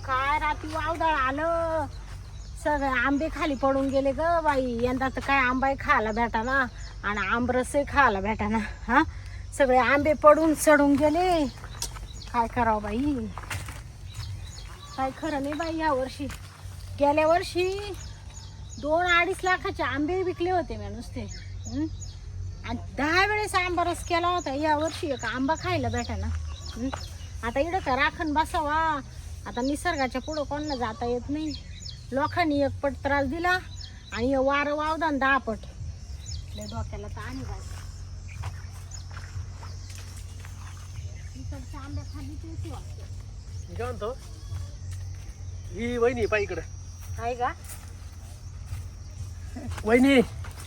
काय रात्री वावदळ आलं, सगळे आंबे खाली पडून गेले ग बाई. यंदा तर काय आंबाही खायला भेटा ना आणि आंबरसही खायला भेटा ना. हा, सगळे आंबे पडून सडून गेले. काय करावं बाई, काय खरं नाही बाई. या वर्षी, गेल्या वर्षी 2-2.5 लाखाचे आंबे विकले होते मी नुसते. आणि 10 वेळेस आंबा रस केला होता. या वर्षी एक आंबा खायला भेटा ना. आता इकडं का राखण बसावा. आता निसर्गाच्या पुढं कोणाला जाता येत नाही. लोकांनी 1 पट त्रास दिला आणि वारं वावदान 10 पट. लय डोक्याला ताण आहे बाई. इकडच्या आंब्या खाली तेच वाटतं. मी काय म्हणतो, ही वहिनी पाय इकडे. आहे का वहिनी,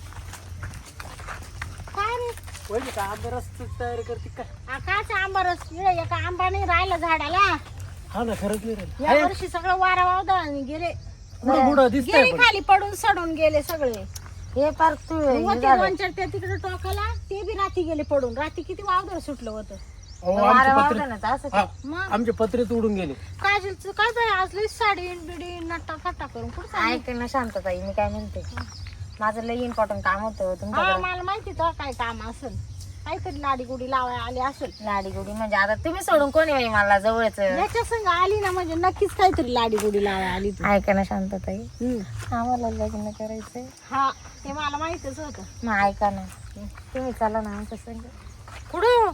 काय रे? वहिनी का आंबरस तयारी करते काय? काचा आंबा रस? इकडे एका आंबा नाही राहिला झाडाला. हा ना, खरंच नाही राहिलं. या वर्षी सगळं वारा वावदान गेले. कुठं कुठं दिसतंय गेले पण. खाली पडून सडून गेले सगळे. हे पार तू होते 2-4 त्या तिकडे टोकाला, ते बी राती गेले पडून. राती किती वावदळ सुटलं होतं. अहो, वारा आमचे पत्रे, वावदानाचं असं हा, मग आमचे पत्रेच उडून गेले. काजलचं काय बाई, आज लई साडी बिडी नट्टा फट्टा करून कुठं चालली? ऐक ना शांतताई, मी काय म्हणते, माझं लई इम्पॉर्टंट काम होतं हा, तुमच्याकडे. मला माहिती तो काय काम असेल, काहीतरी लाडी गुडी लावाय आली असेल. लाडी गुडी म्हणजे आता तुम्ही सोडून कोणी बाई मला जवळच. याच्या संग आली ना म्हणजे नक्कीच काहीतरी लाडी गुडी लावाय आली तू. ऐका ना शांतताई, हम्म. आम्हाला लग्न करायचंय. हा, ते मला माहितच होतं. मग ऐका ना, तुम्ही चला ना आमच्या संग कुठं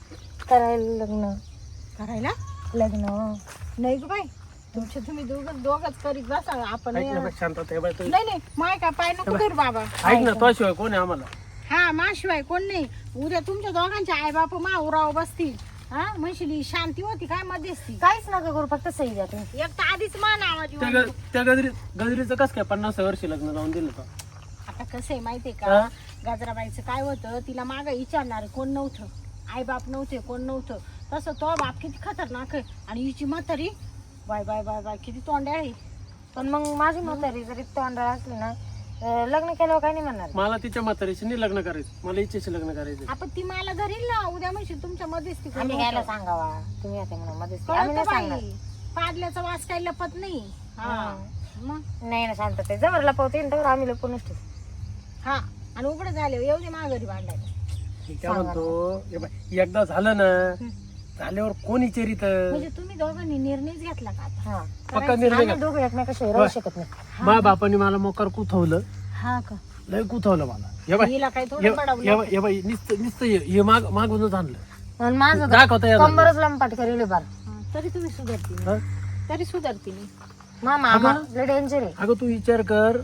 करायला लग्न. करायला? लग्न नाही ग बाई, तुम्ही दोघच करीत बसा. आपण ऐक ना बाई, शांत आहे बाई तू. नाही माय काय पाय नको करू बाबा. ऐक ना, तो शिवाय कोण आहे आम्हाला? हा, माशिवाय कोण नाही. उद्या तुमच्या दोघांचे आई बाप मा उराव बसतील. हा, म्हणशील शांती होती काय मध्यस्थी. काहीच नका करू, फक्त सही द्या तुम्ही. एक तर आधीच मा नावाची त्या वाटली. त्या गजरीचं कस काय 50 वर्षी लग्न लावून दिलं का? आता कसं आहे माहितीये का, हा? गजराबाईचं काय होतं, तिला मागं विचारणार कोण नव्हतं, आई बाप नव्हते, कोण नव्हतं. तसं तो बाप किती खतरनाक आहे आणि हिची म्हातारी बाय बाय बाय बाय किती तोंड्या आहे. पण मग माझी म्हातारी जरी तोंडाळ असली ना, लग्न केल्यावर काही नाही म्हणणार. मला तिच्या म्हातारीशी नाही लग्न करायचं, मला इच्छेशी लग्न करायचं. आपण ती मला धरील ना उद्या म्हणशील तुमच्या मध्यस्थी कोण आम्ही नव्हतं. घ्यायला सांगावा, तुम्ही आता म्हणून मध्ये आम्ही कळतं नाही सांगणार. बाई, पाडल्याचा वास काही लपत नाही. हा मग नाही ना शांतते, जवळ लपवते तर आम्ही लपूनच ठेवू. हा, आणि उघड झाले येऊ दे माघारी भांडायला. मी काय म्हणतो, हे बाई, एकदा झालं ना, झाल्यावर कोण विचारित? म्हणजे तुम्ही दोघांनी निर्णयच घेतला का आता? हा, पक्का निर्णय आम्ही घ्या. दोघं एकमेकाशिवाय राहू शकत नाही. मा बापाने मला मोकार कुथवलं, हा का? लय कुथवलं मला. हे बाई, हिला काही थोडं पडवलं. हे बाई, नुसतं हे मागूनच आणलं. आणि माझं दाखवता येत नाही. कंबरच लंपाट करेल बार. हा, तरी तुम्ही सुधारती हा? नाही. तरी सुधारती नाही. मामा आम्हाला डेंजर आहे. अगं तू विचार कर,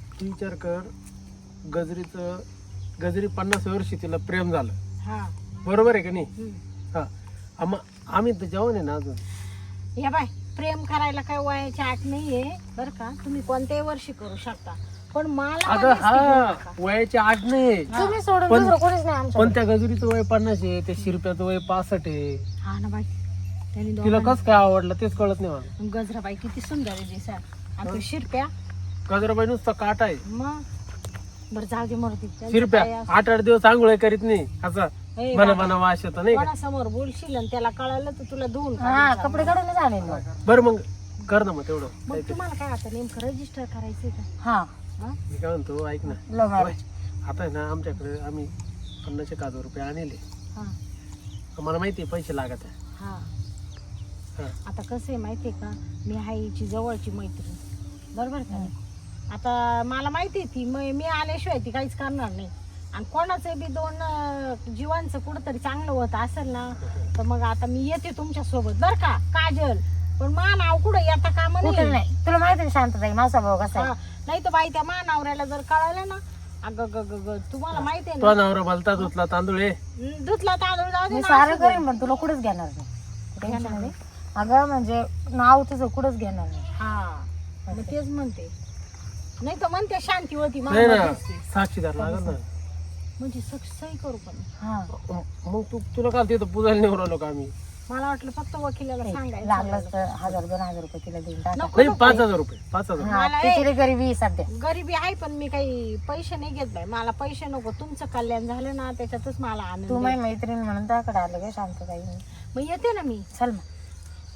गजरी 50 वर्षी तिला प्रेम झालं, हा. बरोबर आहे का नाही? हम्म. हा, आम्ही तर जेवण आहे ना अजून. हे बाय, प्रेम करायला काय वयाची आठ नाहीये बर का. तुम्ही कोणत्याही वर्षी करू शकता, पण मला अगं मध्यस्थी हा, घेऊ नका. वयाची आठ नाही, तुम्ही सोडून पण- दुसरं कोणीच नाही आमच्या. पण त्या गजरीचं वय 50 आहे, त्या शिरप्याचं वय 65 आहे. हा ना बाई, त्यांनी तिला कस काय आवडलं तेच कळत नाही मला. गजराबाई किती सुंदर आहे दिसा, आणि तो शिरप्या गजराबाई नुसता काटा आहे. मग बरं जाऊ दे मरती. शिरप्या 8-8 दिवस आंघोळ करीत नाही, असा ए मला बाबा, वास येतो नाही का? कोणासमोर बोलशील आणि त्याला कळालं तर तुला धुवून हा, काढून कपडे जाणार. काढूनच आणेल मग. बरं मग कर ना मग तेवढं मग काहीतरी. तुम्हाला काय आता नेमकं रजिस्टर करायचंय का? हा, हा? मी काय म्हणतो, ऐक ना, लव्ह मॅरेज. आता आहे ना आमच्याकडे आम्ही 50,000 रुपये आणले. हा, मला माहिती आहे पैसे लागत आहे. हा. हा. आता कसं आहे माहितीये का, मी आहे हिची जवळची मैत्रीण, बरोबर का नाही? आता मला माहिती आहे ती मी आल्याशिवाय ती काहीच करणार नाही. आणि कोणाचं बी 2 जीवांचं कुठंतरी चांगलं होत असेल ना, तर मग आता मी येते तुमच्या सोबत बर का काजल. पण मा नाव कुठं येता कामा कुठं नाही. नाही, तुला माहिती आहे शांतताई माझा भाऊ कसा आहे. नाही तर बाई त्या मा नवऱ्याला जर कळालं ना, अगं ग ग ग, तुम्हाला माहिती आहे तो ना, नवरा भलता धुतला तांदूळ आहे. धुतला तांदूळ जाऊ दे मी ना, सारं असू दे. करेन पण तुला कुठंच घेणार नाही. टेन्शन नाही. अगं म्हणजे नाव तुझं कुठंच घेणार नाही. हा, मग तेच म्हणते. नाही तर म्हणते शांती होती नाही ना, मामाची. साक्षीदार लागत ना. म्हणजे सही करू पण. हा, मग तुला काल तिथं पुजायला निवडलो राहिलो का आम्ही? मला वाटलं फक्त वकिलाला सांगायचं. लागलंच तर 1000-2000 रुपये तिला देऊन टाका. नको नाही, नको. 5,000 रुपये 5,000. हा, मला तिची गरिबी आहे सध्या. गरिबी आहे पण मी काही पैसे नाही घेत बाई. मला पैसे नको, तुमचं कल्याण झालं ना त्याच्यातच मला आनंद तू आहे. माझी मैत्रीण म्हणून त्याकडे आलं का शांतताई. मग येते ना मी. चल मग.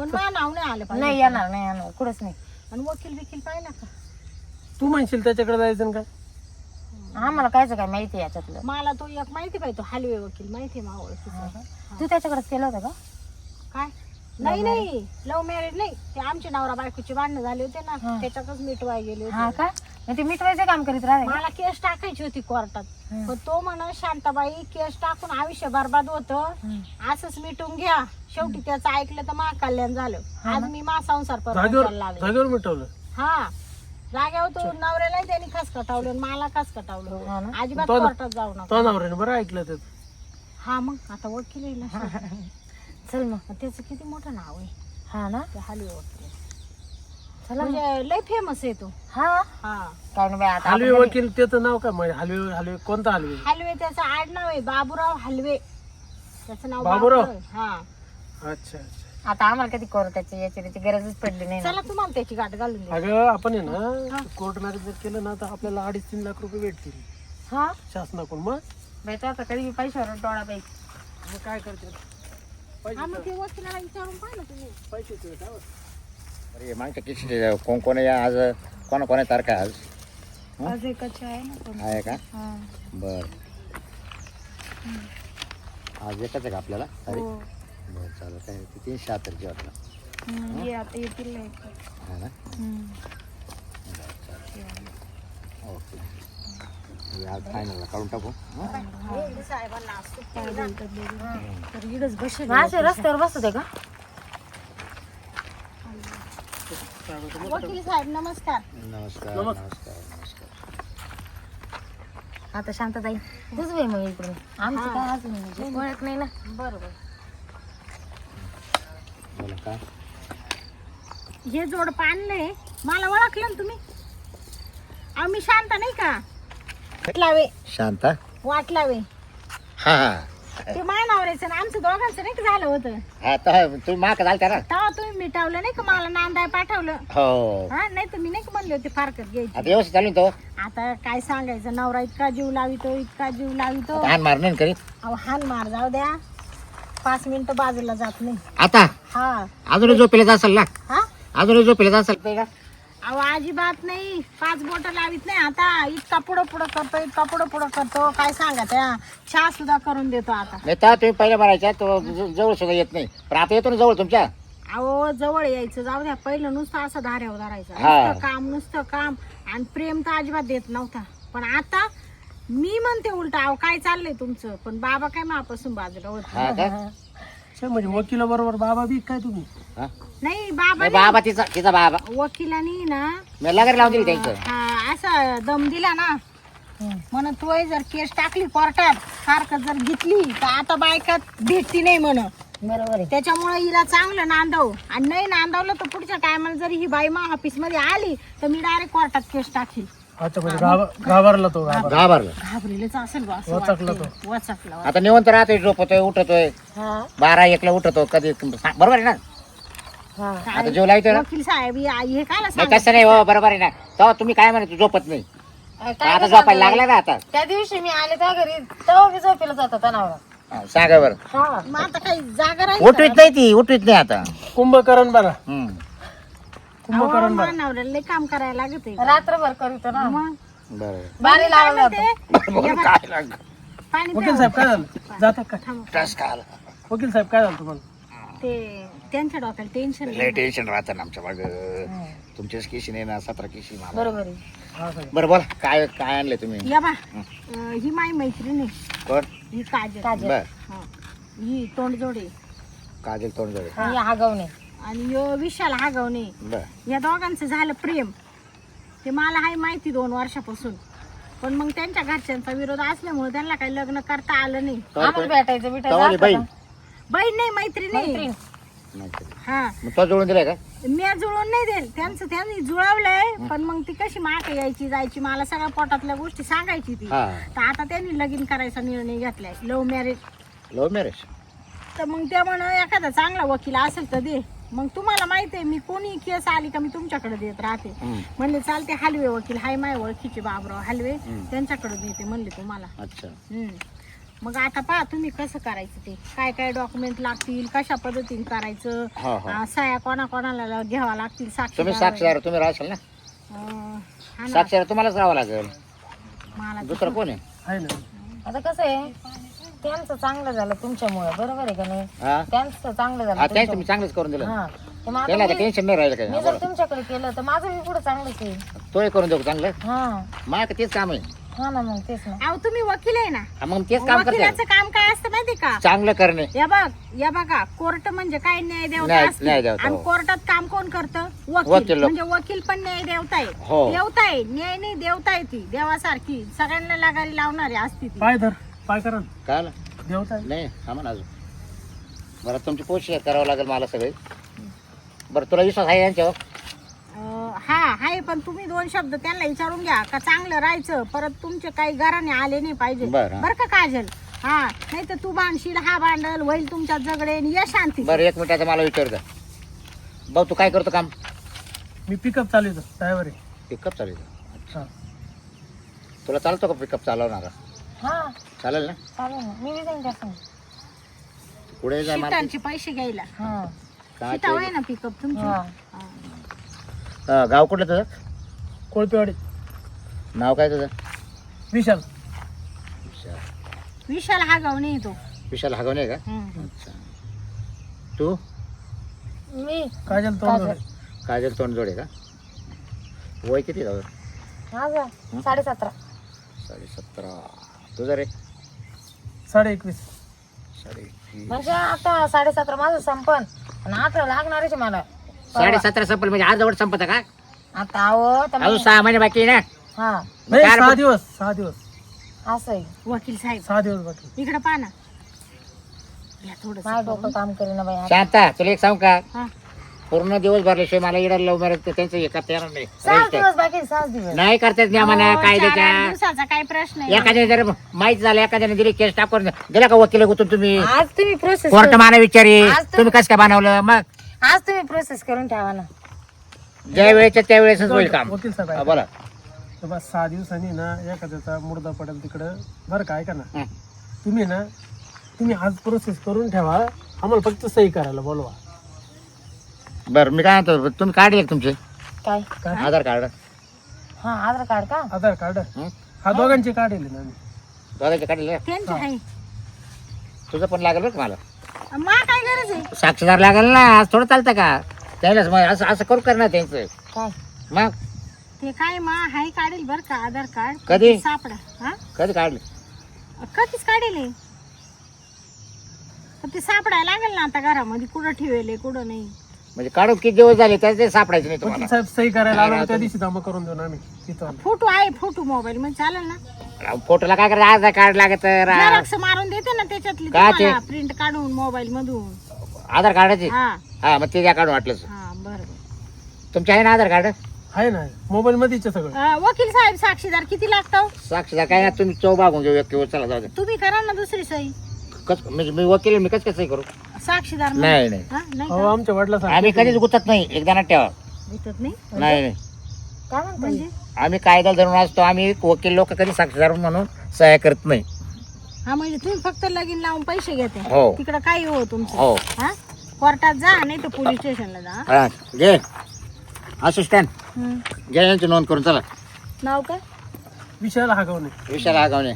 पण मला नाव नाही आलं पाहिजे. नाही येणार कुठंच नाही. आणि वकील बिकील पाहिला का? तू म्हणशील त्याच्याकडे जायचं ना काय? आम्हाला कायच काय माहिती याच्यातलं. मला तो एक माहिती पाहिजे, तो हलवे वकील माहिती आहे मावळ. तू त्याच्याकडेच केलं होतं का? काय? नाही लव्ह मॅरेज नाही, ते आमचे नवरा बायकोची भांडणं झाले होते ना, हा. त्याच्यातच मिटवाय गेले हा होते. का? मग ते मिटवायचं काम करीत राहिले का? मला केस टाकायची होती कोर्टात, हं. पण तो म्हणा शांताबाई केस टाकून आयुष्य बरबाद होतं, असंच मिटून घ्या. शेवटी त्याचं ऐकलं तर मा कल्याण झालं. आज मी मा संसार जागेवर परत लागले. जागेवर मिटवलं. हा जाग्यावर तो नवऱ्यालाही त्यांनी खस कटावलं आणि मला खस हा कटावलं. ना? अजिबात तो ना- कोर्टात जाऊ नका. तो नवऱ्याने बरं ऐकलं ते. हा मग आता वकील आहे ना. चल मग. त्याचं किती मोठं नाव आहे हा ना? ते हलवे वकील. चला मग. म्हणजे लय फेमस आहे तो. हा हा काय नाही बाई, आता हलवे आपण वकील त्याचं नाव काय? म्हणजे हलवे कोणता हलवे? हलवे त्याचं आडनाव आहे बाबूराव हलवे. त्याचं नाव बाबूराव? आहे. हा अच्छा अच्छा. आता आम्हाला कधी कोर्टाची याची गरजच पडली नाही ना. चला तुम्हाला त्याची गाठ घालून दे. अगं आपण आहे ना कोर्ट मॅरेज जर केलं ना तर आपल्याला 2.5-3 लाख रुपये भेटतील हा शासनाकडून. मग बाई तू आता कधी पैशावर डोळा बाई. मग काय करते? हा मग ते वकिलाला विचारून पाहिलं तुम्ही. पैसे तुझे काय? अरे मागच्या किती कोण आहे आज? कोणा तारखा आहे आज? आज एकाची आहे ना पण. आहे का? हा. बर आज एकच आहे का आपल्याला? अरे हो. बरं चालेल. काय ते 376 वाटलं ये आता येतील नाही. आहे ना? ओके हे आज फायनलला काढून टाकू. हं? साहेबांना आज सुट्टी आहे ना. तर इकडंच बसेल. असे रस्त्यावर बसत आहे का? वकील साहेब नमस्कार. नमस्कार नमस्कार नमस्कार. आता शांतताई तुझ बाई मग इकडे आमची काय अजून म्हणजे ओळख नाही ना. बरोबर. बोला काय? हे जोड पाणलंय, मला ओळखलं ना तुम्ही? अहो मी शांत नाही का? वाटलावे शांता? वाटलावे हा हा ते मानावरायचं ना आमचं दोघांचं नाही का झालं होतं. हा तर तुम्ही माग झालता ना? तेव्हा तुम्ही मिटावलं नाही का, मला नांदाय पाठवलं. हो हा नाही तर मी नाही का म्हणले होते फारकत घ्यायची. आता व्यवस्थित चालू ना तो? आता काय सांगायचं, नवरा इतका जीव लावितो इतका जीव लावितो. आता हान मार नाही करीत अहो हान मार जाऊ द्या, 5 मिनिटं बाजूला जात नाही. आता? हा अजूनही झोपेला असेल ना? हा अजूनही झोपेला असेल का? अहो अजिबात नाही, 5 बोट लावित नाही. आता इतका पुढं पुढं करतो, इतका पुढं पुढं करतो, काय सांगा त्या चहा सुद्धा करून देतो आता. नाही तर तुम्ही पहिल्या मारायच्या तो जवळ सुद्धा येत नाही, पण आता येतो ना जवळ तुमच्या. अहो जवळ यायचं जाऊ द्या, पहिलं नुसतं असं धाऱ्यावर धरायचं, हा. नुसतं काम आणि प्रेम तर अजिबात देत नव्हता. पण आता मी म्हणते उलट, अहो काय चाललंय तुमचं, पण बाबा काय मापासून बाजूला होत हा का? अच्छा, म्हणजे वकिला बरोबर बाबा बी काय तुम्ही? हा? नाही. बाबा नाही, बाबा तिचा बाबा वकिलानी ना मी लगेच लावून दिली त्यांचं. हा असा दम दिला ना, म्हणून तोय जर केस टाकली कोर्टात सारखं जर घेतली तर आता बायकात भेटती नाही म्हण. बरोबर आहे. त्याच्यामुळे हिला चांगलं नांदव, आणि नाही नांदवलं तर पुढच्या टायमाला जर ही बाई मा ऑफिस मध्ये आली तर मी डायरेक्ट कोर्टात केस टाकील. अच्छा, म्हणजे घाबरला तो. घाबरलं. घाबरेलच असेल बा, असं वचकला वाटतंय. वचकला. आता निवंत राहतोय, झोपतोय, उठतोय, हा 12-1 ला उठतो कधी. बरोबर आहे ना? हा आता जेव लावतोय ना? वकील साहेब हे काय नाही तसं नाही हो, बरोबर आहे ना. तेव्हा तुम्ही काय म्हणत झोपत नाही, काय आता नाही झोपायला सांगत लागला ना आता. त्या दिवशी मी आले त्या घरी तेव्हा मी झोपेला जात होता नवरा. हा, सांगा बरं. हा मग आता काही जागा राहील उठवीत नाही ती, उठवीत नाही आता. कुंभकर्ण बरा. हम्म. मानावर लय काम करायला लागत आहे. रात्रभर करीतो ना. मग बरोबर. बारी लावला ते काय लागलं? पाणी वकील साहेब काय झालं? जातात काय? त्रास काय आला? वकील साहेब काय झालं तुम्हाला? ते त्यांच्या डोक्याला टेन्शन लय टेन्शन राहतं ना आमच्या माग. तुमच्याच केशी नाही ना, 17 केशी मला. बरोबर आहे. हा साहेब. बरं बोला, काय काय आणलंय तुम्ही? या बा ही माझी मैत्रीण आहे, कोण? ही काजल. बर. हा. ही तोंडजोडे काजल तोंडजोडे. मी हागवणे. आणि यो विशाल हागवणे. बर. या दोघांचं झालं प्रेम, ते मला हाय माहिती 2 वर्षापासून. पण मग त्यांच्या घरच्यांचा विरोध असल्यामुळे त्यांना काही लग्न करता आलं नाही. आम्हाला भेटायचं तवाली भेटायचं बहीण. बहीण नाही, मैत्रीण मैत्रीण. नाही तरी. हा. मग तो जोडून दिलाय का? मी जुळवून नाही देईल, त्यांचं त्यांनी जुळवलंय. पण मग ती कशी माग यायची जायची, मला सगळ्या पोटातल्या गोष्टी सांगायची ती. हा. तर आता त्यांनी लगीन करायचा निर्णय घेतलाय, लव्ह मॅरेज. Love marriage. तर मग त्या म्हण एखादा चांगला वकील असेल तर दे. मग तुम्हाला माहिती आहे मी कोणी केस आली का मी तुमच्याकडे देत राहते. म्हणले चालते, हलवे वकील हाय माय ओळखीचे बाबराव हलवे, त्यांच्याकडे देते म्हणले तुम्हाला. अच्छा. मग आता पहा तुम्ही कसं करायचं ते काय काय डॉक्युमेंट लागतील कशा पद्धतीने करायचं हो हो सह्या कोणाला घ्यावा लागतील तुम्ही साक्षीदार साक्षीदार तुम्ही राहशाल ना हा ना. साक्षीदार तुम्हालाच राहावं लागेल मला दुसरं कोण आहे आहे ना. आता कसं आहे त्यांचं चांगलं झालं तुमच्यामुळे बरोबर आहे का नाही हा त्यांचं चांगलं झालं हा त्याच तुमच्यामुळं. तुम्ही चांगलंच करून दिलं हा तर मग आता त्याला मी टेन्शन नाही राहिलं मी काय जर तुमच्याकडे केलं तर माझं बी पुढे चांगलंच आहे. तोही करून देऊ चांगलं हा माझं तेच काम आहे हा ना मग तेच ना. अहो तुम्ही वकील आहे ना हा, मग तेच काम करते वकिलाचं काम काय असतं माहिती का चांगलं करणे या बघा कोर्ट म्हणजे काय न्याय देवता न्याय असते देवता, आणि हो. कोर्टात काम कोण करतं वकील वकील लोक. म्हणजे वकील पण न्याय देवता आहे हो. देवता आहे न्याय नाही देवता आहे ती देवासारखी सगळ्यांना लगारी लावणारी असते ती पाय धर पाय करा ना. काय देवता आहे. नाही थांबा ना अजून बरं तुमची पोस्ट करावं लागेल मला सगळे बरं तुला विश्वास आहे यांच्यावर हा हाय पण तुम्ही दोन शब्द त्यांना विचारून घ्या का चांगलं राहायचं परत तुमचे काही घराने आले नाही पाहिजे बरं. बरं का काजल हा नाही तर तू बांधशील हा भांडल होईल तुमच्या झगडे आणि या शांती बरं 1 मिनिटाचं मला विचारतं भाऊ तू काय करतो काम मी पिकअप चालवतो ड्रायव्हर आहे. पिकअप चालू हा. तुला चालतो का पिकअप चालवणारा हा चालेल ना चालेल ना मी बी जाईन त्यासंग. पुढे जाय मला शिटांचे पैसे घ्यायला हा काय शिटा होय ना पिकअप तुमची हा गाव कुठलं तुझं कोळपेवाडी नाव काय तुझं विशाल विशाल हा गाव नाही तो विशाल हागवणे का हम्म. अच्छा तू मी काजल तोंड काजल तोंडजोडे का वय किती जाऊ माझा 17.5 17.5 तुझं रे 21.5 21 म्हणजे आता 17.5 माझं संपन आणि 18 लागणारच आहे मला 17.5 संपल म्हणजे आज जवळ संपत का आता आहो तर अजून मग- 6 महिने बाकी आहे ना हा नाही काय 6 दिवस 6 दिवस असं आहे वकील साहेब 6 दिवस बाकी इकडे पहा ना या थोडस माझं डोकं काम करेना बाई आता. शांता तुला एक सांग का हा. पूर्ण दिवस भरल्याशिवाय मला इडा लव्ह मॅरेज त्यांचं हे करता येणार नाही 6 दिवस बाकी 6 दिवस नाही करता येत नियमानं अहो, 4-8 कायद्याच्या दिवसाचा काय प्रश्न आहे एखाद्याने जर माहित झालं एखाद्याने दिली केस टाकून दिला का वकील गुतून तुम्ही आज तुम्ही प्रोसेस कोर्ट माना विचारी आज तर- तुम्ही कसं काय बनवलं मग आज तुम्ही प्रोसेस करून ठेवा ना. ज्या वेळेच्या त्या वेळेसच होईल काम वकील साहेब हा, आहे. बोला तर बस 6 दिवसांनी ना एखाद्याचा मुर्दा पडेल तिकडं बरं का ऐका ना हं. तुम्ही आज प्रोसेस करून ठेवा आम्हाला फक्त सही करायला बोलवा बरं मी काय म्हणतो तुम्ही काढले तुमचे काय काय आधार कार्ड हा आधार कार्ड का आधार कार्ड हं? हा दोघांचे काढले ना आम्ही. दोघांचे काढले त्यांची आहे तुझं पण लागेल बरं का मला मा काय गरज आहे साक्षीदार लागेल ना आज थोडं चालतं का त्यालाच मग असं असं करू करणार त्यांचं काय मग ते काय मा हाय काढेल बर का आधार कार्ड कधी? सापडा हा कधी काढले कधीच काढेल हे. पण ते सापडायला लागेल ना आता घरामध्ये कुठं ठेवेल कुठं नाही म्हणजे काढून किती दिवस झाले त्याचे ते सापडायचे नाही वकील तुम्हाला साहेब सही करायला नाही, आलो नाही, त्या तुम्ही- दिवशी जमा करून देऊ ना आम्ही तिथं फोटो आहे फोटो मोबाईल मध्ये चालेल ना फोटोला काय करायचं आधार कार्ड लागत झेरॉक्स मारून देते ना त्याच्यातली का ते? तुम्हाला प्रिंट काढून मोबाईल मधून आधार कार्डाची हा हा मग ते द्या काढून वाटलंच हा बरोबर तुमचे आहे ना आधार कार्ड आहे ना मोबाईल मध्येच आहे सगळं वकील साहेब साक्षीदार किती लागतो साक्षीदार काय ना तुम्ही चौ बागून घेऊ एक चला जाऊ दे तुम्ही करा ना दुसरी सही म्हणजे मी वकील आहे, मी कसं कसं करू साक्षीदार नाही नाही हा नाही हो का? आमच्या वडिला आम्ही कधीच गुतत नाही एकदा ना ठेवा भेटत नाही नाही नाही काय म्हणतो म्हणजे आम्ही कायदा धरून असतो आम्ही वकील लोक कधी साक्षीदार म्हणून सहाय्य करत नाही हा म्हणजे तुम्ही फक्त लगीन लावून पैसे घेते हो. तिकडं काही हो तुमचं हो हा कोर्टात जा नाही तर पोलीस स्टेशनला जा हा, घे असिस्टंट हम्म. घे यांची नोंद करून चला नाव काय विषयाला हागवणे विशाल आगावणे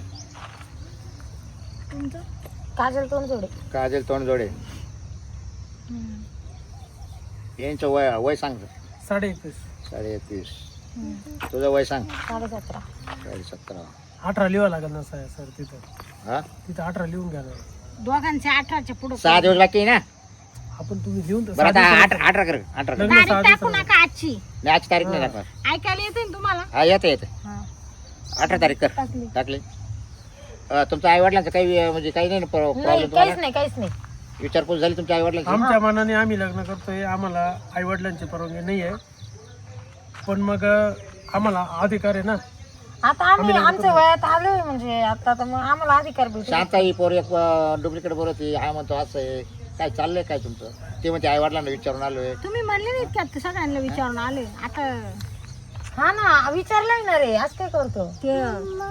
तुमचं काजल तोंड जोडे काजल तोंडजोडे यांचं वय वय सांग 21.5 21.5 तुझं वय सांग 17.5 17 18 लिहावं लागेल ना सर तिथं हा तिथं 18 लिहून घ्या ना दोघांचे 18च्या पुढे 6 दिवस बाकी आहे ना आपण तुम्ही लिहून बरं आता 18 कर 18 कर लग्न तारीख 6 टाकू दिवसाला. नका आजची नाही आजची तारीख नाही टाकणार ऐकायला येते ना तुम्हाला हा येते येते हा. 18 तारीख कर टाकली. टाकली तुमच्या आई वडिलांचं काही म्हणजे काही नाही ना नाही प्रॉब्लेम काहीच नाही काहीच नाही विचारपूस झाली तुमच्या आई वडिलांची आमच्या मनाने आम्ही लग्न करतोय आम्हाला आई वडिलांची परवानगी नाही आहे पण मग आम्हाला अधिकार आहे ना आता आम्ही आमच्या वयात आलोय म्हणजे आता तर मग आम्हाला अधिकार भेटू शांत ही पोर एक डुप्लिकेट बोलत हा म्हणतो असं आहे काय चाललंय काय तुमचं ते म्हणते आई वडिलांना विचारून आलोय तुम्ही म्हणले नाहीत का सगळ्यांना विचारून आले आता हा ना विचारलंय ना रे आज काय करतो ते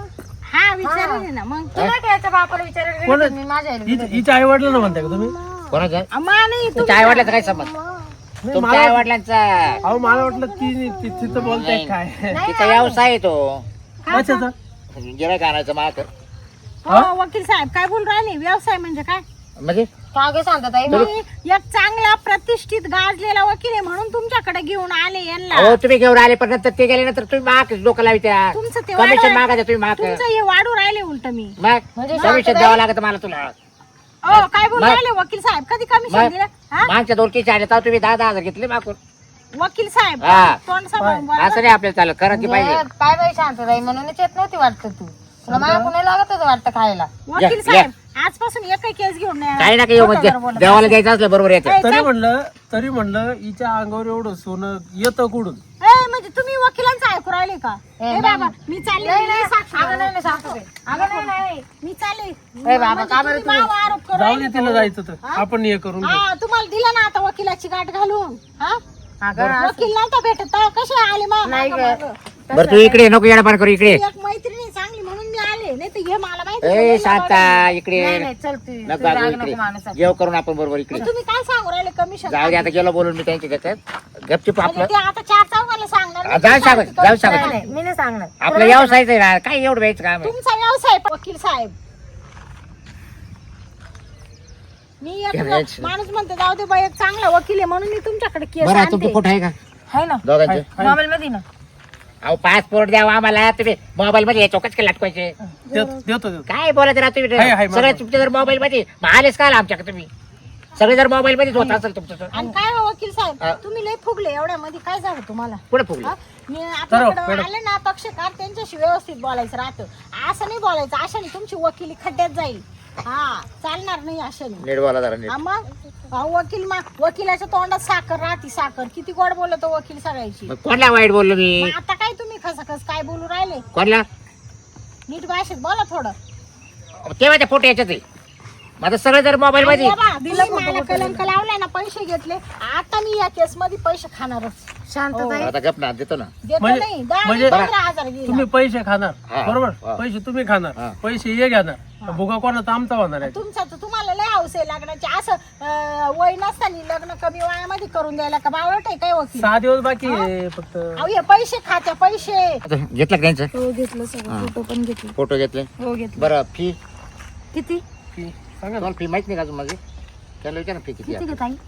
हा विचारले ना मग. तुला काय याच्या बापाला विचारायला गेले कोण तर मी माझ्या आईला गेले. हिच्या आई वडिलांना म्हणताय का तुम्ही? कोणाचं अम्मा नाही तुमच्या आई वडिलांचा काय संबंध नाही, तुमच्या आई वडिलांचा अहो मला वाटलं ती तिथं बोलताय काय तिचा व्यवसाय आहे तो कशाचा? गिरायक आणायचं माग हो वकील साहेब काय बोल राहिले? व्यवसाय म्हणजे काय? म्हणजे काय काय सांगतात आई? मी एक चांगला प्रतिष्ठित गाजलेला वकील आहे म्हणून तुमच्याकडे घेऊन आले यांना. हो तुम्ही घेऊन आले पण नंतर ते गेल्यानंतर तुम्ही माग डोकं लावित्या तुमचं ते कमिशन वाढव- मागायचं तुम्ही माग तुमचं हे वाढू राहिले उलट मी. मग म्हणजे कमिशन द्यावं लागत मला तुला हो काय बोल मग- राहिले वकील साहेब? कधी कमिशन मग दिलं? हा मागच्या दोडकीच्या आले तर तुम्ही 10,000 घेतले मागून वकील साहेब हा. तोंड सांभाळून बोला. असं नाही आपल्याला चालत करायची पाहिजे म्हणजे काय बाई शांत राही म्हणूनच येत नव्हती वाटतं तू. तुला माझ्या कुणी लागत होतं वाटतं खायला. वकील या. साहेब आजपासून एकही केस घेऊन नाही काही ना काही खोटं जरा बोलत देवाला द्यायचं असलं बरोबर येतं ए, तरी म्हणलं हिच्या अंगावर एवढं सोनं येतं कुठून? ए, म्हणजे तुम्ही वकिलांचं ऐकू राहिले का? ए, ए बाबा मी चालले नाही, मी नाही. साक्षी अगं देणार. नाही, नाही, सांगतो ते. अगं नाही, नाही. मी चालले बाबा, म्हणजे का बरं तुम्ही माझ्यावर आरोप करू जाऊ राहिले दे तिला का? जायचं तर हा? आपण हे करून घेऊ. हा तुम्हाला दिलं ना आता वकिलाची गाठ घालून. हा अगं असं- वकील नव्हता भेटत तेव्हा कसे आले नाही मागं? गं. बरं तू इकडे नको येणार करू इकडे एक मैत्रिणी चांगली म्हणून मी आले नाही तर हे मला माहिती ए होतं, शांता नाही, इकडे नाही, चल तू. नको तू अगं राग इकडे नको माणूस. जेव करून आपण बरोबर इकडे मग तुम्ही काय सांगू राहिले कमिशन? जाऊ दे आता गेलो बोलून मी त्यांच्या त्याच्यात गपचिप म्हणजे आपलं ते आता चार चौघाला सांगणार नाही. जाऊ सांग जाऊ नाही, सांग नाही, मी नाही सांगणार. आपलं व्यवसायच आहे ना काय एवढं व्हायचं काम आहे तुमचा व्यवसाय वकील साहेब. मी एक करायचं. माणूस म्हणतो जाऊ दे बाई एक चांगला वकील आहे म्हणून मी तुमच्याकडे केस बरं आणते. तुमचं फोटो आहे का आहे ना दोघांचे मोबाईल मध्ये ना. अहो पासपोर्ट द्यावा आम्हाला तुम्ही मोबाईल मध्ये चौकच के लटकवायचे देतो काय बोलत राहा तुम्ही आहे, आहे, सगळे माझं. तुमचे जर मोबाईल मध्ये मग आलेच का आमच्याकडे तुम्ही सगळे जर मोबाईल मध्येच होत असेल तुमचं तर आणि काय हो वकील हा. साहेब तुम्ही लय फुगले एवढ्यामध्ये काय झालं तुम्हाला? पुढे फुगले हा? मी आपल्याकडे मॅडम. आले ना पक्षकार त्यांच्याशी व्यवस्थित बोलायचं राहतं. असं नाही बोलायचं अशाने तुमची वकिली खड्ड्यात जाईल. हा चालणार नाही अशाने. नीट बोला जरा नीट हा, मग वकिलाच्या तोंडात साखर राहती साखर. किती गोड बोलतो वकील सगळ्याची. मग कोणला वाईट बोललो मी मग आता काय तुम्ही खसखस काय बोलू राहिले? कोणला नीट भाषेत बोला थोडं. तेव्हा त्या फोटो याच्यात आहे माझं सगळं जर मोबाईल मध्ये बाबा, तुम्ही मला कलंक लावलाय ना पैसे घेतले आता मी या केस मध्ये पैसे खाणारच. शांतताई. आता गप ना देतो ना देतो म्हणजे- नाही 10 म्हणजे- 15,000 गेला. तुम्ही पैसे खाणार हा, बरोबर हा. पैसे तुम्ही खाणार हा. पैसे हे घेणार भुगा कोणाचा आमचा होणार आहे तुमचा तर तुम्हाला लय हौस आहे लग्नाची. असं वय नसताना लग्न कमी वयामध्ये करून द्यायला का बावळट आहे काय वकील? 6 दिवस बाकी आहे फक्त. अहो हे पैसे खात्या पैसे. आता घेतलं का त्यांचं हो घेतलं सगळं. फोटो पण घेतले. फोटो घेतले हो घेतलं. बरं फी किती फी सांगा ना. तुम्हाला फी माहित नाही का अजून माझी त्याला विचार ना फी किती किती आहे. घेत आई?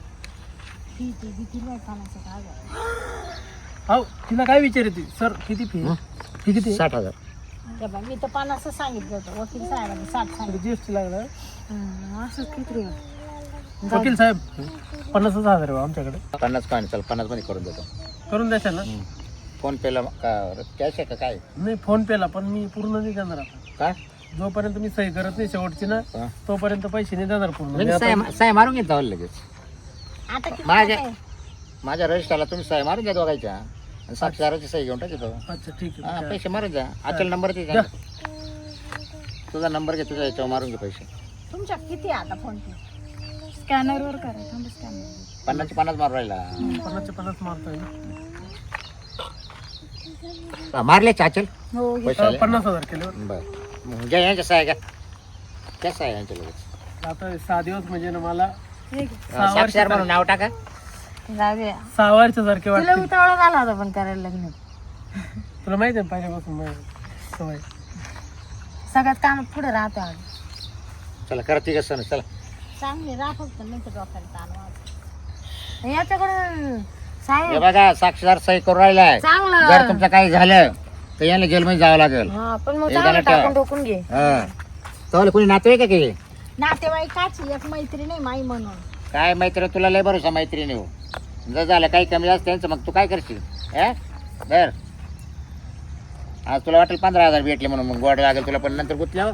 हो तिला काय विचारते सर किती फी हं? फी किती 60,000 हे बघ, मी तर 50 सांगितलं होतं वकील साहेबांनी 60 सांगितलं. जीएसटी लागला असं किती वकील साहेब 50,000 आहे बा आमच्याकडे 50 काय नाही चल 50 मध्ये करून देतो करून द्याल ना फोन पेला कॅश आहे का काय नाही फोन पेला पण मी पूर्ण नाही देणार आता काय जोपर्यंत मी सही करत नाही शेवटची ना हा. तोपर्यंत पैसे नाही देणार पूर्ण मी मी आता- साय मारून घेत जावं लगेच आता किती माझ्या खाते? माझ्या रजिस्टरला तुम्ही साय मारून द्या दोघायच्या आणि साक्षीदाराची सही घेऊन टाकतो अच्छा ठीक हा आहे पैसे मारून द्या अचल नंबर दे द्या. तुझा नंबर घे तुझ्या याच्यावर मारून घे पैसे तुमच्या किती आहे आता फोन पे? स्कॅनर वर करा. थांब स्कॅनर. 50 मारून राहिला 50 मारतोय मारले चाचल हो पैसे आले? 50,000 केले बरं घ्या यांच्या साय का क्या साय यांच्या लगेच आता 6 दिवस म्हणजे ना मला हे घे. साक्षीदार म्हणून नाव टाका जाऊ दे. 6 वर्षासारखे तुला वाटते उतावळा झाला होता पण करायला लग्न. तुला माहिती आहे पहिल्यापासून माझी सवय सगळ्यात काम पुढे राहतो आम्ही. चला करा तिघ सण चला चांगले राहा फक्त नाही तर डोक्याला ताण वाजतो. याच्याकडून हे साहेब बघा साक्षीदार सही करून राहिलाय चांगलं. जर तुमचं काही झालं तर याला जेलमध्ये जावं लागेल हा पण मग हे चांगलं गाणं ठेवा. टाकून ठोकून घे. तर कोणी नातेवाईक आहे की नातेवाईकाची एक मैत्री नाही माई म्हणून. काय मैत्री तुला लय भरोसा मैत्रिणी हो जर झालं काही कमी जास्त त्यांचं मग तू काय करशील बर आज तुला वाटेल 15,000 भेटले म्हणून मग गोड लागेल तुला पण नंतर गुतल्यावर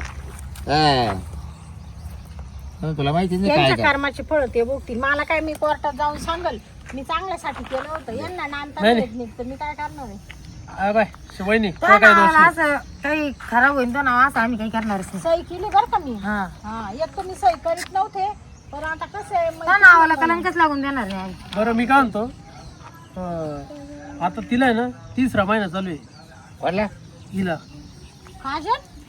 तुला माहिती नाही काय त्यांच्या काय. कर्माचे फळ ते बघतील. मला काय मी कोर्टात जाऊन सांगल मी चांगल्यासाठी केलं होतं यांना नांदता नाही, येत नाही तर मी काय करणार आहे? बाय वहिनी त्या तुला काय दोष नावाला नाही. असं काही खराब होईल तो नाव असं आम्ही काही करणारच नाही. सही केली बरं का मी. हा हा एक तर मी सही करीत नव्हते पण आता कसं आहे त्या नावाला कलंकच लागून देणार नाही आम्ही. बरं मी काय म्हणतो आता तिला आहे ना 3रा महिना चालू आहे वाटलं? हिला काजल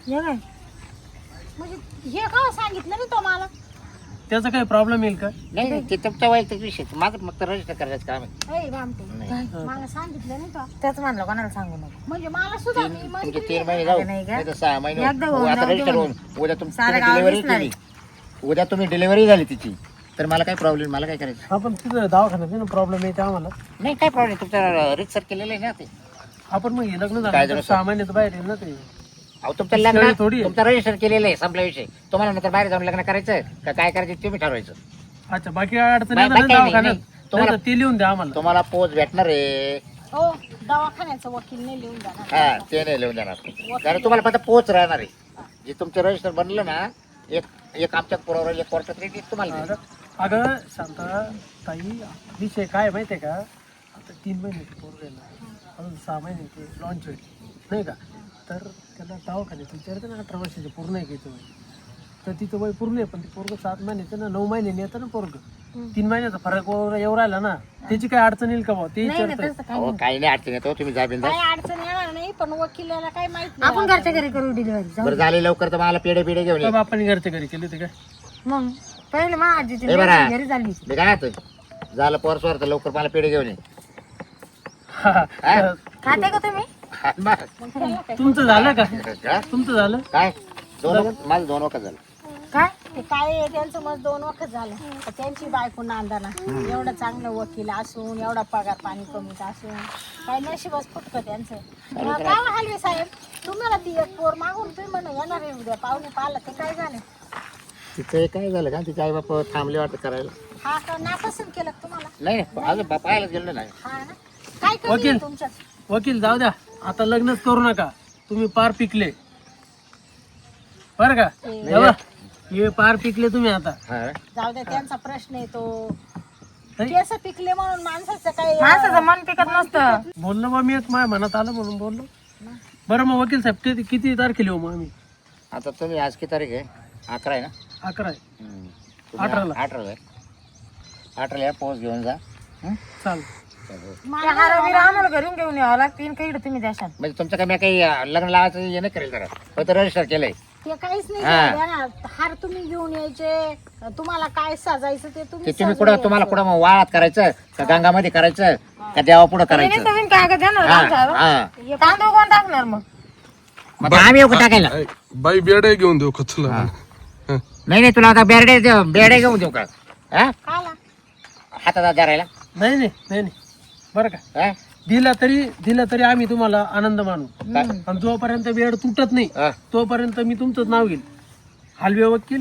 हे काय म्हणजे हे का सांगितलं नाही तो मला. त्याचा काही प्रॉब्लेम येईल का? नाही नाही, ते तुमचा वैयक्तिक विषय माझं फक्त रजिस्टर करायचं काम आहे. ए रामटे, नाही. मला सांगितलं नाही तो. त्याच म्हणलं कोणाला सांगू नको. म्हणजे मला सुद्धा मी तुमचे म्हणते 3 महिने जाऊ नाही का? नाही तर 6 महिने एकदा होऊन आता जाऊ दे रजिस्टर होऊन म्हणे. उद्या सारं तुम्ही गाव डिलिव्हरी दिसणार केली, उद्या तुम्ही डिलिव्हरी झाली तिची, तर मला काय प्रॉब्लेम, मला काय करायचं? आपण तिथं दवाखान्यात प्रॉब्लेम येते आम्हाला. नाही काय प्रॉब्लेम, तुमचं रितसर केलेलं आहे ना ते. आपण मग हे लग्न काय झालं झालं, तर 6 महिन्यात बाहेर येईल ना ते. अहो तुमचं शेळी लग्न थोडी आहे. तुमचं रजिस्टर केलेलं आहे, संपला विषय. तुम्हाला नंतर बाहेर जाऊन लग्न करायचं का काय करायचं तुम्ही ठरवायचं. अच्छा, बाकी काय अडचण बाकी नाही ना काही नाही, दवाखान्यात? नाही. तुम्हाला- नाही तर ते लिहून द्या आम्हाला. तुम्हाला पोच भेटणार आहे. हो दवाखान्याचं वकील नाही लिहून जाणार. हा ते नाही लिहून देणार, कारण तुम्हाला फक्त पोच राहणार आहे. जे तुमचं रजिस्टर बनलं ना, एक आमच्या पुरावर एक कोर्टात रेट तुम्हाला देईल. अगं शांता ताई, विषय काय माहितीये का, आता 3 महिने पोरग आहे ना, अजून 6 महिने ते लॉन्च होईल नाही का, तर त्याला दवाखान्यात विचारते ना 18 वर्षाचे पूर्ण आहे की तो, तर तिचं वय पूर्ण आहे, पण ते पोरग 7 महिन्याचं ना 9 महिन्याने येतं ना पोरग. 3 महिन्याचा फरक वगैरे एवढा राहिला ना, त्याची काय अडचण येईल का भाऊ ते नाही नाही विचारतोय. तसं काय अहो काही नाही अडचण येतो, तुम्ही जा बिंदा. काय अडचण येणार नाही, पण वकिलाला काय माहित नाही. आपण नाही. घरच्या घरी करू डिलिव्हरी. बरं झाले लवकर तर मला पेढे घेऊन ये. तर बापाने घरच्या घरी केली होती काय? मग पहिले मा आजीची ए बरं. घरी झाली. मी काय म्हणतोय, झालं पोरसवर तर लवकर मला पेढे घेऊन ये. हा, हा? खाते का तुम्ही? हा, बस. मग त्याला काय? तुमचं झालं का? का? तुमचं झालं? काय माझं 2 वखत झालं. काय ते काय आहे, त्यांचं मग 2 वखत झालं. तर त्यांची बायको नांदाना एवढं चांगलं वकील असून, एवढा पगार पाणी कमीच असून, काय नशीबच फुटकं त्यांचं. काय हलवे साहेब, तुम्हाला ती एक पोर मागून तुम्ही म्हणून येणार आहे उद्या पाहुणे पाहिलं, ते काय झालं? तिचं हे काय झालं का, तिचे आई बाप थांबले वाटतं करायला. हा का नापसंत केलं का तुम्हाला? नाही अजून पाहायला गेलो नाही. हा ना, काय कमी वकील. आहे तुमच्यात? वकील जाऊ द्या, आता लग्नच करू नका, तुम्ही पार पिकले बरं का. तेव्हा हे पार पिकले तुम्ही आता. हा. जाऊ द्या, त्यांचा प्रश्न येतो. नाही. केस पिकले म्हणून माणसाचं काय माणसाचं मन पिकत नसतं. बोललो बा मी, एक माझ्या मनात आलं म्हणून बोललो. बरं मग वकील साहेब किती तारखेला येऊ मग आम्ही? आता तुम्ही आज किती तारीख आहे? 11 आहे ना? 11 आहे. तुम्ही 18 ला. 18 या पोच घेऊन जा. हं? चाल. त्या हारावीर आम्हाला घरून घेऊन यावं लागतील, काही तुम्ही द्याशाल. म्हणजे तुमचं काय, मी काही लग्न लावायचं हे नाही करेल जरा, फक्त रजिस्टर केलंय. ते काहीच नाही हा. झालं ना. हार तुम्ही घेऊन यायचे, तुम्हाला काय सजायचं ते ते तुम्ही तुम्ही सजवून कुठं, तुम्हाला यायचं. कुठं मग वाळात करायचं का गंगामध्ये करायचं का देवा पुढं तुम्ही करायचं? नवीन कागद देणार हा, आमच्यावर? हा. तांदूळ कोण टाकणार मग? मग आम्ही येऊ का टाकायला? बाई बेडे घेऊन देऊ खचला. नाही तुला आता बेरडे घेऊन देऊ का? हा? खाला. हातात धरायला? नाही बरं का, हा? दिला तरी आम्ही तुम्हाला आनंद मानू. आणि जोपर्यंत बेड तुटत नाही हा. तोपर्यंत मी तुमचंच नाव घेईल, हलवे वकील.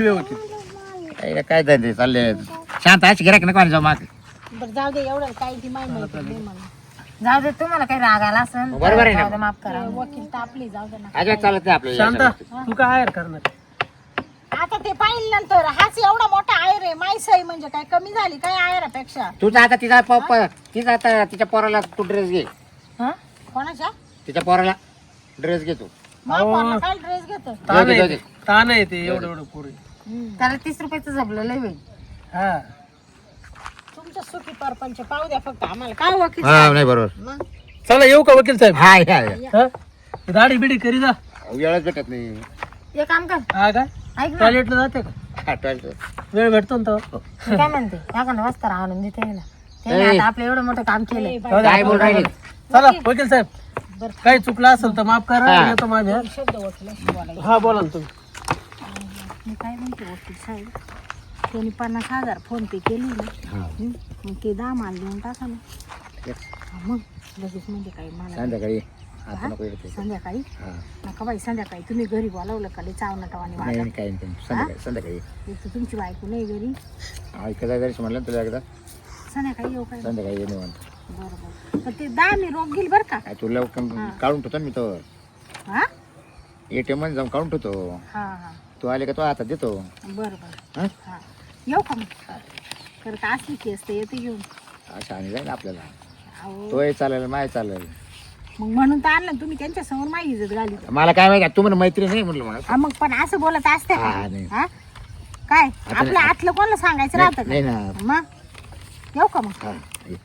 काय धंदे चालले, शांत अशी गिराक नको जाऊ माग. बरं जाऊ दे, एवढं काही ती माहिती नाही मला. जाऊ दे, तुम्हाला काही राग आला असेल बरोबर आहे ना. जाऊ दे, माफ करा. ते वकील तापली, जाऊ दे ना. अजिबात चालत नाही आपल्याला. शांता, तू काय हायर करणार? आता ते पाहिलं नंतर, हाच एवढा मोठा आयर आहे, माई सई म्हणजे काय कमी झाली काय आयरापेक्षा? तुझा आता तिचा आता तिच्या पोराला तू ड्रेस घे, हं? कोणाच्या? तिच्या पोराला ड्रेस घे तू. मला काय ड्रेस घेतो? ताण आहे ते एवढं पोरी. त्याला 30 रुपयाचं झबलं लय होईल. हा, तुमच्या सुखी परपंच पाहू द्या फक्त आम्हाला. काय वकील हा नाही बरोबर. मग चला येऊ का वकील साहेब? हा या. हा? दाढी बिडी करी जा. वेळच भेटत नाही. एक काम कर, हा काय, ऐक ना, टॉयलेटला जाते का? आठवायचं. वेळ भेटतो ना तेव्हा. मी काय म्हणते, एखादा वस्तार आणून देते याला. त्याने आता आपलं एवढं मोठं काम केलंय. जाऊ द्या. काय बोल राहिले? चला वकील साहेब, काही चुकलं असेल तर माफ करा. हा. येतो माझ्या. शब्द वकिलाशी बोलायचं. हा बोला ना तुम्ही. मी काय म्हणते वकील साहेब, त्यांनी 50,000 फोन पे केली ना, मग ते 10 माल देऊन टाका ना. हा, मग लगेच म्हणजे काही मला संध्याकाळी आता नको येते. संध्याकाळी हा. नका बाई, संध्याकाळी तुम्ही घरी बोलावलं का लई चावना टवानी नाही वाटत. काही नाही, संध्याकाळी एक तर तुमची बायको नाही घरी. ऐकायचं जरी म्हणलं ना तुला एकदा, संध्याकाळी येऊ काय? संध्याकाळी ये निवांत. बरोबर. पण ते 10 मी रोग घेईल बरं का? काय तुला काढून ठेवतो ना मी तो हा ATM मध्ये जाऊन काढून ठेवतो. हा हा, तू आले का तो हातात देतो. बरं बरं. हा? हा, येऊ का मग? तर का असली केस तर येते घेऊन. असं आणि जाईल आपल्याला. अहो, तोही चालेल, माय चालेल. मग म्हणून तर आणलं तुम्ही त्यांच्या समोर माझी इज्जत घाली. मला काय माहिती, तू म्हणून मैत्री नाही म्हणलं मला. हा, मग पण असं बोलत असते का? हा, नाही. हा? काय आता आपलं नाही. आतलं कोणाला सांगायचं राहतं नाही का? ना. मग येऊ का मग? हा ये.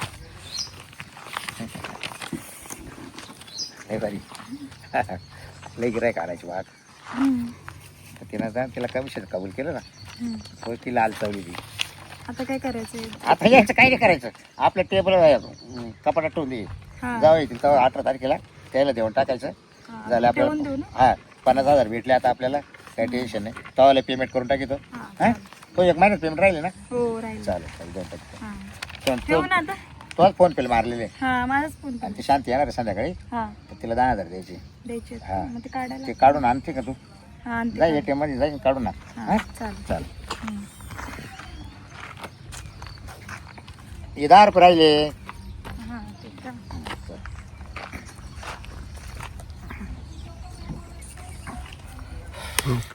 हे बारी. लई गिरायक आणायची वाघ. तर तिनं जा तिला कमिशन कबूल केलं ना, तो तिला आलचवली ती. आता काय करायचंय? आता यायचं काही नाही करायचं, आपल्या टेबल कपाटात ठेवून दे. जाऊ येतील तेव्हा 18 तारखेला त्याला देऊन टाकायचं. झालं आपल्याला. हा 50,000 भेटले आता आपल्याला, काही टेन्शन नाही. तेव्हा पेमेंट करून टाकी तो. हा तो 1 महिन्यात पेमेंट राहिले ना. हो राहील. चालेल चालेल देऊन टाकतो. ठेवू ना आता. तोच फोन पेला मारलेले. हा माझाच फोन आणि ती शांती येणार आहे संध्याकाळी, हा तर तिला 10,000 द्यायचे. द्यायचे. हा. मग ते काढायला. ते काढून आणते का तू? हा आणते. जा ATM मध्ये जाईन काढून आण. हा चालेल. चालेल. हे 10 रुपये राहिले. हा ठीक आहे.